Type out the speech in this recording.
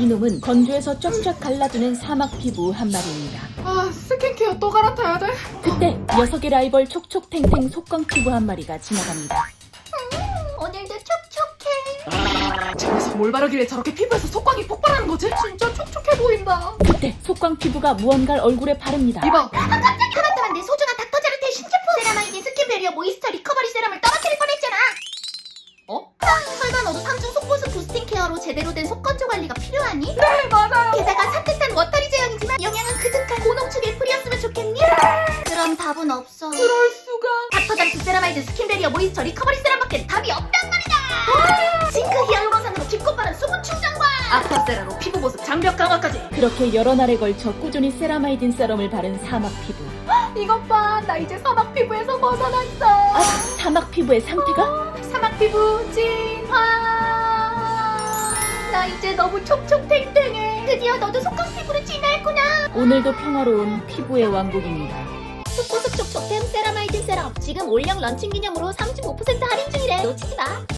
이놈은 건조해서 쫙쫙 갈라지는 사막 피부 한 마리입니다. 아, 스킨케어 또 갈아타야 돼? 그때 녀석의 라이벌 촉촉탱탱 속광 피부 한 마리가 지나갑니다. 오늘도 촉촉해. 집에서 뭘 바르길래 저렇게 피부에서 속광이 폭발하는 거지? 진짜 촉촉해 보인다. 그때 속광 피부가 무언가를 얼굴에 바릅니다. 이봐. 그렇다면 내 소중한 닥터제로테 신제품 세라마이딘 스킨베리어 모이스처 리커버리 세럼을 떨어뜨릴 뻔했잖아. 어? 설마 너도 3중 속보습 부스팅 케어로 제대로 된 속건조 관리가 필요하니? 네, 맞아요. 게다가 산뜻한 워터리 제형이지만 영양은 그득한 고농축 애플이었으면 좋겠니? 그럼 답은 없어. 그럴 수가. 닥터잠프 세라마이드 스킨베리어 모이스처 리커버리 세럼밖에 답이 없단 말이다. 징크 히알루론산으로 깊고 빠른 수분 충전과 아쿠아세라로 피부 보습 장벽 강화까지. 그렇게 여러 날에 걸쳐 꾸준히 세라마이딘 세럼을 바른 사막 피부. 이것 봐, 나 이제 사막 피부에서 벗어났어. 아, 사막 피부의 상태가? 사막 피부 진화. 나 이제 너무 촉촉탱탱해. 드디어 너도 속광 피부로 진화했구나. 오늘도 평화로운 피부의 왕국입니다. 속보습 촉촉템 세라마이딘 세럼 지금 올영 런칭 기념으로 35% 할인 중이래. 놓치지 마.